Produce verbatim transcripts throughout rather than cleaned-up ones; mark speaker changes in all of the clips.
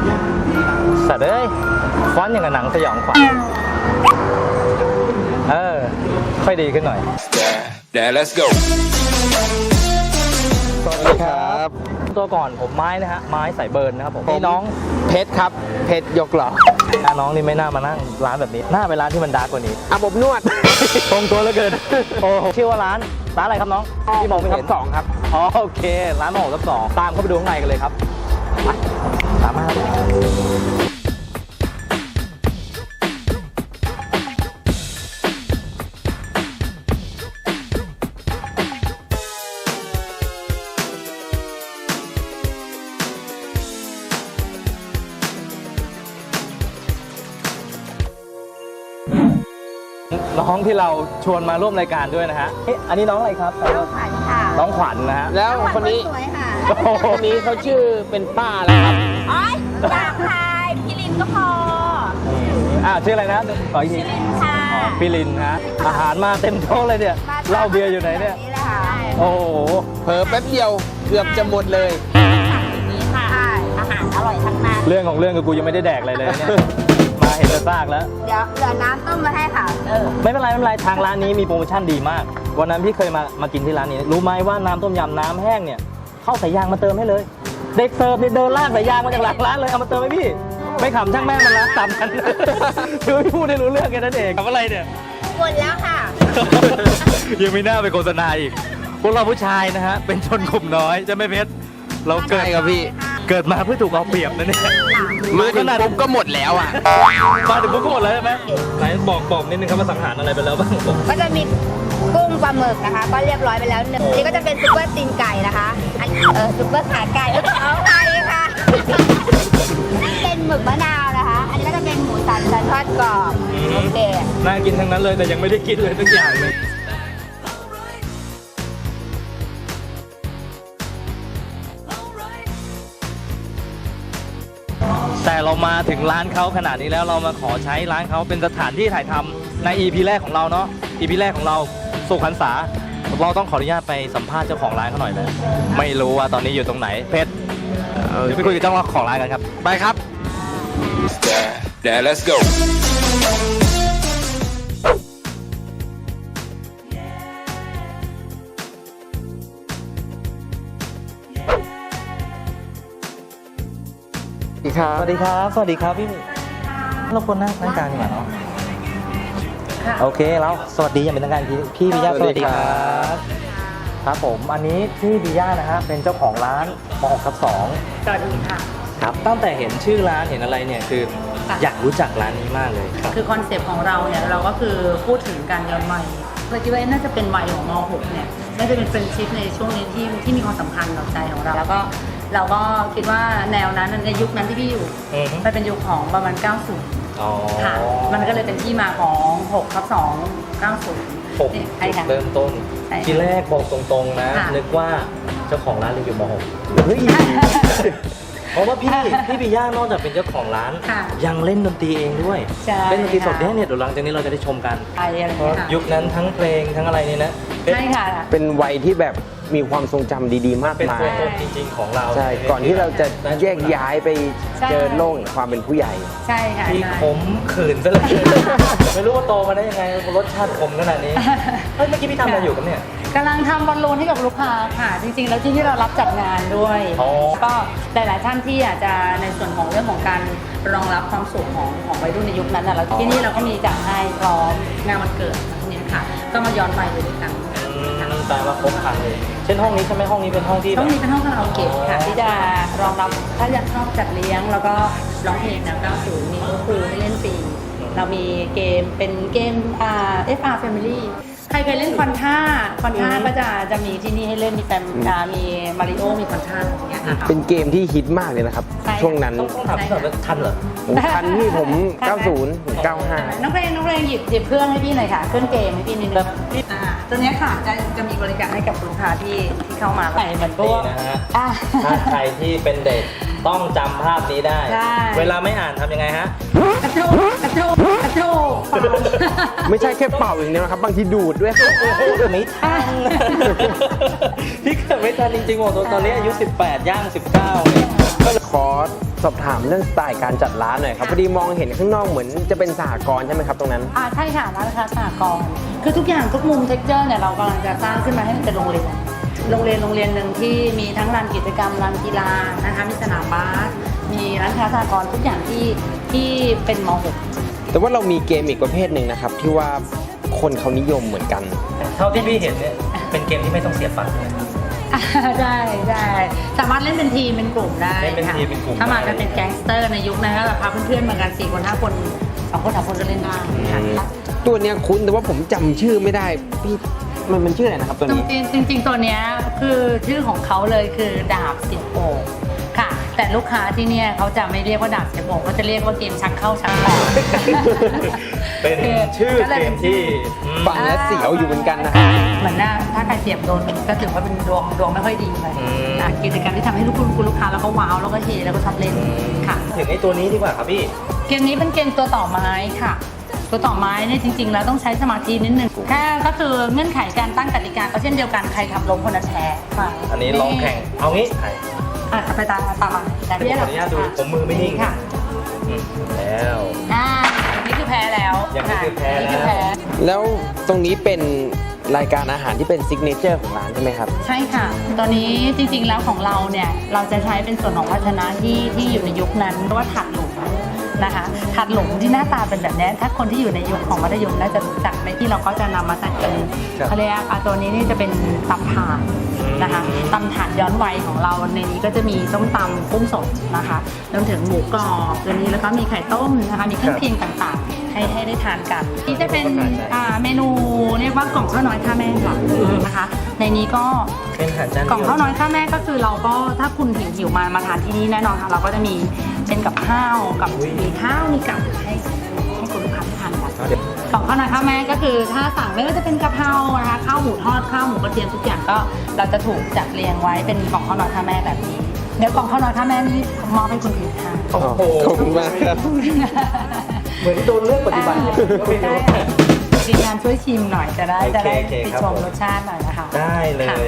Speaker 1: สัตว์เอ้ยฟอนต์อย่างกับหนังสยองขวัญเออค่อยดีขึ้นหน่อย
Speaker 2: Yeah, let's go.
Speaker 1: สวัสดีครับตัวก่อนผมไม้นะฮะไม้สายเบิร์นนะครับผมนี่น้องเพชรครับเพชรยกหล่อหน้าน้องนี่ไม่น่ามานั่งร้านแบบนี้หน้าไปร้านที่มันดาร์กกว่านี้
Speaker 3: อาบอบนวด
Speaker 1: ตรงตัวเหลือเกินโอ้ชื่อว่าร้านร้านอะไรครับน้องที่มองไม่เห็น
Speaker 3: สองครับ
Speaker 1: อ๋อโอเคร้านมองทับสองตามเข้าไปดูข้างในกันเลยครับตามมาน้องที่เราชวนมาร่วมรายการด้วยนะฮะอันนี้น้องอะไรครับน้องขวัญค่ะน้องขวัญนะฮะ
Speaker 3: แล้วคนนี้
Speaker 4: สวยค่ะ
Speaker 3: คนนี้เขาชื่อเป็นป้าแล้วครับ
Speaker 4: อ๋ออยากทายพี่ลินก็พอ
Speaker 1: อ่าชื่ออะไรนะขออีกที
Speaker 4: ลินค่ะ
Speaker 1: อ๋อพี่ลินฮะอาหารมาเต็มโต๊ะเลยเนี่ยเหล้าเบียร์อยู่ไหนเนี่ย
Speaker 4: นี่แหละค่ะ
Speaker 1: โอ้โห
Speaker 3: เผลอแป๊บเดียวเกือบจะหมดเลย
Speaker 4: สั่งอย่างนี้ค่ะอาหารอร่อยทั้งนั้น
Speaker 1: เรื่องของเรื่องกับกูยังไม่ได้แดกอะไรเลยเนี่ยมาเห็นแต่ซากแล้ว
Speaker 4: เดี๋ยวเหลือน้ำต้มมาให้ค่ะเออ
Speaker 1: ไม่เป็นไรไม่เป็นไรทางร้านนี้มีโปรโมชั่นดีมากวันนั้นพี่เคยมามากินที่ร้านนี้รู้ไหมว่าน้ำต้มยำน้ำแห้งเนี่ยเข้าสายยางมาเติมให้เลยเด็กเสิร์ฟเนี่ยเดินลากสายยางมาจากหลังร้านเลยเอามาเติมให้พี่ไม่ขำช่างแม่มันละตามกันคือพี่พูดให้รู้เรื่องแค่นั้นเองทำอะไรเนี่ย
Speaker 4: หมดแล้วค่ะ
Speaker 1: ยังไม่น่าไปโฆษณาอีกพวกเราผู้ชายนะฮะเป็นชนกลุ่มน้อยจะไม่เพชรเราเกิด
Speaker 3: ใช่ครับพี่
Speaker 1: เกิดมาเพื่อถูกเอาเปรียบนะเนี่ย
Speaker 3: มาถึงปุ๊บก็หมดแล้วอ่ะ
Speaker 1: มาถึงพวกก็หมดแล้วใช่ไหมไหนบอกบอกนิดนึงครับว่าสังหารอะไรไปแล้วบ้าง
Speaker 4: ก็จะมีกุ้งปลาหมึกนะคะ ก็เรียบร้อยไปแล้วหนึ่งนี่ก็จะเป็นซุปเปอร์ตีนไก่นะคะอันเออซุปเปอร์ขาไก่เอาไก่ค่ะนี่เป็นหมึกมะนาวนะคะ อันนี้ก็จะเป็นหมูสันสันทอดกรอบโอเค
Speaker 1: น่ากินทั้งนั้นเลยแต่ยังไม่ได้กินเลยสักอย่างเลยแต่เรามาถึงร้านเขาขนาดนี้แล้วเรามาขอใช้ร้านเขาเป็นสถานที่ถ่ายทำใน อี พี แรกของเราเนาะ อี พี แรกของเราสุขหันษาเราต้องขออนุญาตไปสัมภาษณ์เจ้าของร้านเขาหน่อยเลยไม่รู้ว่าตอนนี้อยู่ตรงไหนเพชรเดี๋ยวไปคุยกับเจ้าของร้านกันครับ
Speaker 3: ไปครับ
Speaker 2: Yeah, yeah, let's go.
Speaker 3: สวัสดีครับ
Speaker 1: สวัสดีครับ สวัสดีครับพี่เราควรนั่งนั่งกลางดีกว่าเนาะโอเคแล้วสวัสดีอย่างเป็นทางการพี่พี่บิยาสวัสดีครับครับผมอันนี้พี่บิยานะฮะเป็นเจ้าของร้านมหกทับสอง
Speaker 5: สวัสดีค่ะ
Speaker 1: ครับตั้งแต่เห็นชื่อร้านเห็นอะไรเนี่ยคือ
Speaker 5: ค่ะ
Speaker 1: อยากรู้จักร้านนี้มากเลยครับ
Speaker 5: คือคอนเซปต์ของเราเนี่ยเราก็คือพูดถึงการย้อนวัยเราคิดว่าน่าจะเป็นวัยของม หก เนี่ยน่าจะเป็นเฟรนชิพในช่วงนี้ที่ที่มีความสำคัญต่อใจของเรา แล้วก็เราก็คิดว่าแนวนั้นในยุคนั้นที่พี่อยู่
Speaker 1: อือฮึ
Speaker 5: มันเป็นยุคของประมาณ เก้าสิบ
Speaker 1: อ๋อ
Speaker 5: ค่ะ มันก็เลยเป็นที่มาของหกทับสอง เก้าสิบ
Speaker 1: หก
Speaker 5: ใช่ค่ะ
Speaker 1: เริ่มต้น
Speaker 5: ใช่ค่ะ
Speaker 1: ทีแรกบอกตรงๆนะ
Speaker 5: ค่ะ
Speaker 1: นึกว่าเจ้าของร้านเรียนอยู่มหกเฮ้ย เพราะว่าพี่พี่บิย่านอกจากเป็นเจ้าของร้าน
Speaker 5: ค่ะ
Speaker 1: ยังเล่นดนตรีเองด้วย
Speaker 5: ใช่
Speaker 1: เล่นดนตรีสด
Speaker 5: ค่ะ
Speaker 1: เนี่ยเดี๋ยวหลังจากนี้เราจะได้ชมกัน
Speaker 5: ไปอะไร
Speaker 1: เพราะ
Speaker 5: เงี้ยค่ะ
Speaker 1: ยุคนั้นทั้งเพลงทั้งอะไรนี่นะ
Speaker 5: ใช่ค่ะ
Speaker 3: เป็นวัยที่แบบมีความทรงจำดีๆ มาก
Speaker 1: เป็น
Speaker 3: มา
Speaker 1: ตัวย ตนจริงๆของเรา
Speaker 3: ใช่ ก่อนที่เราจะแยกย้ายไปเจอโลกแห่งความเป็นผู้ใหญ่
Speaker 5: ใช่ค่ะ
Speaker 1: ที่
Speaker 5: ใช่
Speaker 1: ขมขืนซะเลย ไม่รู้ว่าโตมาได้ยังไงรสชาติขมขนาดนี้เฮ้ยเมื่อกี้พี่ทำอะไรอยู่ครับเนี่ย
Speaker 5: กำลังทำบอลลูนให้กับลูกค้าค่ะ จริงๆ แล้วที่ที่เรารับจัดงานด้วย
Speaker 1: อ๋อ
Speaker 5: ก็หลายๆท่านที่อาจจะในส่วนของเรื่องของการรองรับความสุขของของวัยรุ่นในยุคนั้นนะแล้วที่นี่เราก็มีจัดให้พร้อมงานวันเกิดพวกนี้ค่ะ ก็มาย้อนวัยไปด้วยกัน
Speaker 1: อืมแปลว่าครบครันเลย เช่นห้องนี้ใช่ไหมห้องนี้เป็นห้องที่แบ
Speaker 5: ต้อบ งมีเป็นห้องคาราโอเกะค่ะ ที่จะรองรับถ้าอยากชอบจัดเลี้ยง แล้วก็ร้องเพลงแนวเก้าสิบมีโต๊ะครูให้เล่นฟรีเรามีเกมเป็นเกมอ่า เอฟ อาร์ Family ใครเคยเล่นคอนท่าคอนท่าก็จะจะมีที่นี่ให้เล่นมีแฟมอ่ามีมาริโอมีคอนท่าอย่างเงี้ยค่ะ
Speaker 3: เป็นเกมที่ฮิตมากเลยนะครับ
Speaker 5: ใช่
Speaker 3: ช่วงนั้น
Speaker 1: ต้องต้องถามพี่หน่อยว่าทันเหรอ
Speaker 3: ผมทันนี่ผม เก้าสิบถึงเก้าห้า
Speaker 5: น้องเพลงน้องเพลงหยิบหยิบเครื่องให้พี่หน่อยค่ะ เครื่องเกมให้พี่นิดนึงอ่าตัวเนี้ยค่ะจะจะมีบริการให้กับลูกค้าที่ที่เข้ามาใส่เหมือนพว
Speaker 1: นี่
Speaker 5: ก
Speaker 1: นะฮะ
Speaker 5: อ่า
Speaker 1: ถ้าใครที่เป็นเด็กต้องจำภาพนี้ได้
Speaker 5: ใช่
Speaker 1: เวลาไม่อ่านทำยังไงฮะ
Speaker 5: กระโจกกระโจกกระโจก
Speaker 3: ไม่ใช่แค่เป่าอย่างเดียวนะครับ บางทีดูดด้วย
Speaker 1: ไม่ทัน พี่เกิดไม่ทันจริงๆบอกตอนนี้อายุสิบแปดย่างสิบเก้าเนี่ย
Speaker 3: ขอสอบถามเรื่องสไตล์การจัดร้านหน่อยครับพอดีมองเห็นข้างนอกเหมือนจะเป็นสหกรณ์ใช่ไหมครับตรงนั้น
Speaker 5: อ่าใช่ค่ะร้านค้าสหกรณ์คือทุกอย่างทุกมุมเท็กเจอร์เนี่ยเรากำลังจะสร้างขึ้นมาให้มันเป็นโรงเรียนโรงเรียนโรงเรียนหนึ่งที่มีทั้งลานกิจกรรมลานกีฬานะคะมีสนามบาสมีร้านค้าสหกรณ์ทุกอย่างที่ที่เป็นม .หก
Speaker 3: แต่ว่าเรามีเกมอีกประเภทหนึ่งนะครับที่ว่าคนเขานิยมเหมือนกัน
Speaker 1: เท่าที่พี่เห็นเนี่ยเป็นเกมที่ไม่ต้องเสียฟันเลย
Speaker 5: อ่าใช่ใช่สามารถเล่นเป็นทีมเป็นกลุ่มได้
Speaker 1: เล่นเป็น
Speaker 5: ค่ะ
Speaker 1: ทีมเป็นกลุ่ม
Speaker 5: ถ้ามา
Speaker 1: ได้
Speaker 5: กันเป็นแก๊งสเตอร์ในยุคนั้นก็แบบพาเพื่อนๆมากันสี่คนห้าคนสองคนสามคนก็เล่นได้ค่ะ
Speaker 3: ตัวเนี้ยคุ้นแต่ว่าผมจำชื่อไม่ได้พี่มันมันชื่ออะไรนะครับตัวนี้
Speaker 5: จริงๆจริงๆตัวเนี้ยคือชื่อของเขาเลยคือดาบเสียบโอ่งค่ะ แต่ลูกค้าที่เนี่ยเขาจะไม่เรียกว่าดาบเสียบโอ่งเขาจะเรียกว่าเกมชักเข้าชักออก
Speaker 1: เป็นชื่อเกมที่อืม
Speaker 3: ฟังแล้วเสียวอยู่เหมือนกันนะครับ
Speaker 5: เหมือนหน้าถ้าใครเสียบโดนก็ถือว่าเป็นดวงดวงไม่ค่อยดีเลย
Speaker 1: อืม
Speaker 5: อ่ะกิจกรรมที่ทำให้ลูกคุณคุณลูกค้าแล้วก็ว้าวแล้วก็เฮแล้วก็ชอบเล่นค่ะ
Speaker 1: ถึงไอ้ตัวนี้ดีกว่าครับพี่
Speaker 5: เกมนี้เป็นเกมตัวต่อไม้ค่ะ ตัวต่อไม้เนี่ยจริงๆแล้วต้องใช้สมาธินิดนึงแค่ก็คือเงื่อนไขการตั้งกติกาก็เช่นเดียวกันใครทำล้มคนนั้นแพ้ค่ะ
Speaker 1: อันนี้ลองแข่งเอางี้ไอ้
Speaker 5: อ่ะไปตามตามมาแต่
Speaker 1: ขออนุญาตดูผมมือไม่นิ่ง
Speaker 5: ค่ะ
Speaker 1: อืมแล้ว
Speaker 5: อ่าอย่างนี้คือแพ้แล้ว
Speaker 1: อย่างนี้คือแพ้แล้ว
Speaker 5: ย่างนี้คือแพ้
Speaker 3: แล้วตรงนี้เป็นรายการอาหารที่เป็นซิกเนเจอร์ของร้านใช่ไหมครับ
Speaker 5: ใช่ค่ะ ตอนนี้จริงๆแล้วของเราเนี่ยเราจะใช้เป็นส่วนของภาชนะที่ที่อยู่ในยุคนั้นเรียกว่าถาดหลุมนะคะถาดหลุมที่หน้าตาเป็นแบบนี้ถ้าคนที่อยู่ในยุคของมัธยมน่าจะรู้จักในที่เราก็จะนำมาใส่เป็นเขาเรียกอ่ะตัวนี้นี่จะเป็นตำถาดนะคะตำถาดย้อนวัยของเราในนี้ก็จะมีส้มตำกุ้งสดนะคะรวมถึงหมูกรอบตัวนี้แล้วก็มีไข่ต้มนะคะมีเครื่องเคียงต่างๆ ให้ให้ได้ทานกันนี่จะเป็นอ่าเมนูเรียกว่ากล่องข้าวน้อยข้าแม่ค่ะนะคะในนี้ก็
Speaker 1: เป็นอาหารจาน
Speaker 5: กล่อง
Speaker 1: เดียว
Speaker 5: ข้าวน้อยข้าแม่ก็คือเราก็ถ้าคุณหิวหิวมามาทานที่นี่แน่นอนค่ะเราก็จะมีเป็นกับข้าวกับมีข้าวมีกับให้ให้คุณลูกค้าทานกัน
Speaker 1: เดี๋ยว
Speaker 5: กล่องข้าวน้อยข้าแม่ก็คือถ้าสั่งไม่ว่าจะเป็นกะเพรานะคะข้าวหมูทอดข้าวหมูกระเทียมทุกอย่างก็เราจะถูกจัดเรียงไว้เป็นกล่องข้าวน้อยข้าแม่แบบนี้เดี๋ยวกล่องข้าวน้อยข้าแม่นี้มอบให้คุณผิวทาน
Speaker 1: โอ้โห
Speaker 3: ขอบคุณมากครับ
Speaker 1: เหมือนโดนเลือกปฏิบัติอย่างนี้ก็ไม่รู้
Speaker 5: ทีมงานช่วยชิมหน่อยจะได้
Speaker 1: โอเค
Speaker 5: จะได้
Speaker 1: โอเค
Speaker 5: ติ
Speaker 1: ครับ
Speaker 5: ชม
Speaker 1: ผม
Speaker 5: รสชาติหน่อยนะคะ
Speaker 1: ได้เลย
Speaker 5: ค่ะ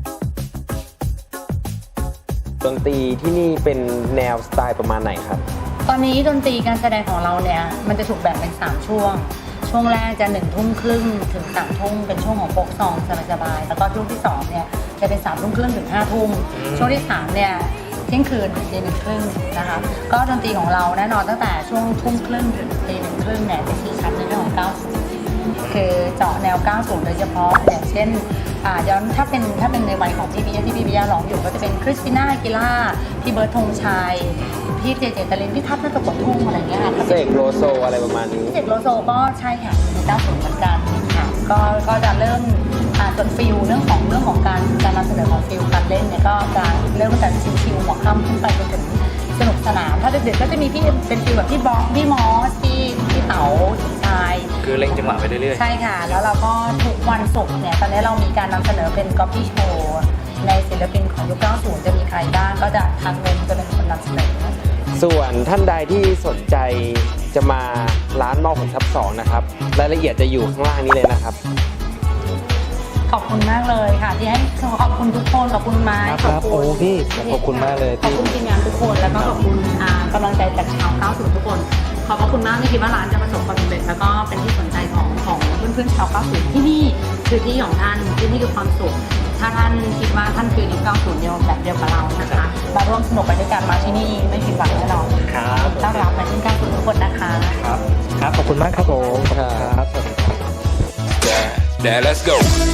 Speaker 3: ดนตรีที่นี่เป็นแนวสไตล์ประมาณไหนครับ
Speaker 5: ตอนนี้ดนตรีการแสดงของเราเนี่ยมันจะถูกแบ่งเป็นสามช่วง ช่วงแรกจะหนึ่งทุ่มครึ่งถึงสามทุ่มเป็นช่วงของโฟกซองสบายๆแล้วก็ช่วงที่สองเนี่ยจะเป็นสามทุ่มครึ่งถึงห้าทุ่มช่วงที่สามเนี่ยเที่ยงคืนถึงตีหนึ่งครึ่งนะคะก็ดนตรีของเราแน่นอนตั้งแต่ช่วงทุ่มครึ่งถึงตีหนึ่งครึ่งเนี่ยจะชี้ชัดในเรื่องของเก้าสิบคือเจาะแนวเก้าสิบโดยเฉพาะอย่างเช่นอ่าย้อนถ้าเป็นถ้าเป็นในวัยของพี่บีที่พี่บียาร้องอยู่ก็จะเป็นคริสติน่าอากิล่าพี่เบิร์ดธงชัยพี่เจเจตลินพี่ทัพนักกบทุ่งอะไรอย่างเงี้ยค่ะ
Speaker 3: เสกโลโซอะไรประมาณนี้
Speaker 5: พี่เจกโลโซก็ใช่ค่ะมีเก้าสิบเหมือนกันค่ะก็ก็จะเริ่มอ่าส่วนฟิลเรื่องของเรื่องของการการนำเสนอของฟิลการเล่นเนี่ยก็จะเริ่มตั้งแต่ชิวๆหัวค่ำขึ้นไปจนถึงสนุกสนานถ้าเด็กๆก็จะมีพี่เป็นฟิลแบบพี่บอสพี่มอสพี่พี่เต๋าชาย
Speaker 1: คือเล่งจังหวะไปเรื่อย
Speaker 5: ใช่ค่ะ แล้วเราก็ทุกวันศุกร์เนี่ย ตอนนี้เรามีการนำเสนอเป็นก๊อปปี้โชว์ในศิลปินของยุคเก้าสิบจะมีใครบ้าง ก็จะทางเงินจะเป็นคนนำเสนอ
Speaker 3: ส่วนท่านใดที่สนใจจะมาร้านมอผลทับสองนะครับรายละเอียดจะอยู่ข้างล่างนี้เลยนะครับ
Speaker 5: ขอบคุณมากเลยค่ะ ที่ให้ขอบคุณทุกคนขอบคุณไม้
Speaker 1: ครับครับโอ้พี่ขอบคุณมากเลยที่
Speaker 5: ขอบคุณทีมงานทุกคนแล้วก็ขอบคุณอ่ากำลังใจจากชาวเก้าสิบทุกคน ขอบพระคุณมากไม่คิดว่าร้านจะประสบความสำเร็จแล้วก็เป็นที่สนใจของของเพื่อนๆชาวเก้าสิบที่นี่คือที่ของท่านที่นี่คือความสุขถ้าท่านคิดว่าท่านคือยุคเก้าสิบเดียวแบบเดียวกับเรานะคะมาร่วมสนุกไปด้วยกันมาที่นี่ไม่ผิดหวังแน่นอน
Speaker 1: ครับ
Speaker 5: ต้อนรับมาที่เก้าสิบทุกคนนะคะ
Speaker 1: ครับครับขอบคุณมากครับผม
Speaker 3: ครับ
Speaker 1: สวัสดีครับ
Speaker 2: Dad, Dad, let's go.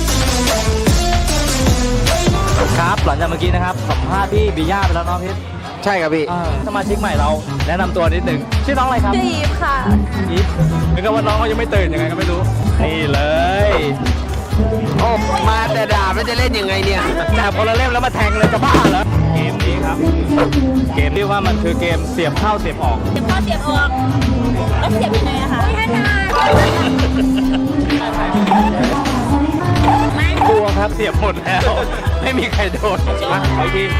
Speaker 1: ครับหลังจากเมื่อกี้นะครับสัมภาษณ์พี่บิย่าไปแล้วเนาะพี่
Speaker 3: ใช่ครับพี่
Speaker 1: อ่าสมาชิกใหม่เราแนะนำตัวนิดหนึ่งชื่อน้องอะไรครับ
Speaker 4: ชื่ออีฟค่ะ
Speaker 1: อีฟนึกว่าน้องเขายังไม่ตื่นยังไงก็ไม่รู้นี่เลย
Speaker 3: โอ้มาแต่ด่าไม่จะเล่นยังไงเนี่ย
Speaker 1: จับคนละเล่มแล้วมาแทงเลยจะบ้าเหรอเกมนี้ครับ เกมที่ว่ามันคือเกมเสียบเข้าเสียบออก
Speaker 4: เสียบเข้าเสียบออกแล้วเสียบยังไงอะคะไม่ถนัด
Speaker 1: กลัวครับเสียบหมดแล้ว ไม่มีใครโดนมาขออีกที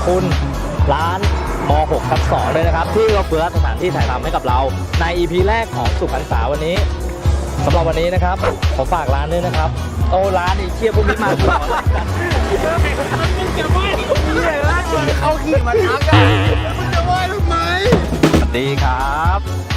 Speaker 1: คุณร้านม หกทับสองเลยนะครับ ที่เราเฟื้อสถานที่ถ่ายทำให้กับเราใน อี พี แรกของสุขหันษาวันนี้สำหรับวันนี้นะครับขอฝากร้านด้วยนะครับ โอ้ร้านอีเชี่ยพวกนี้มาตลอด
Speaker 6: เขาขี่มาทักอ่ะมึงจะไหว้ทำไม
Speaker 1: สวัสดีครับ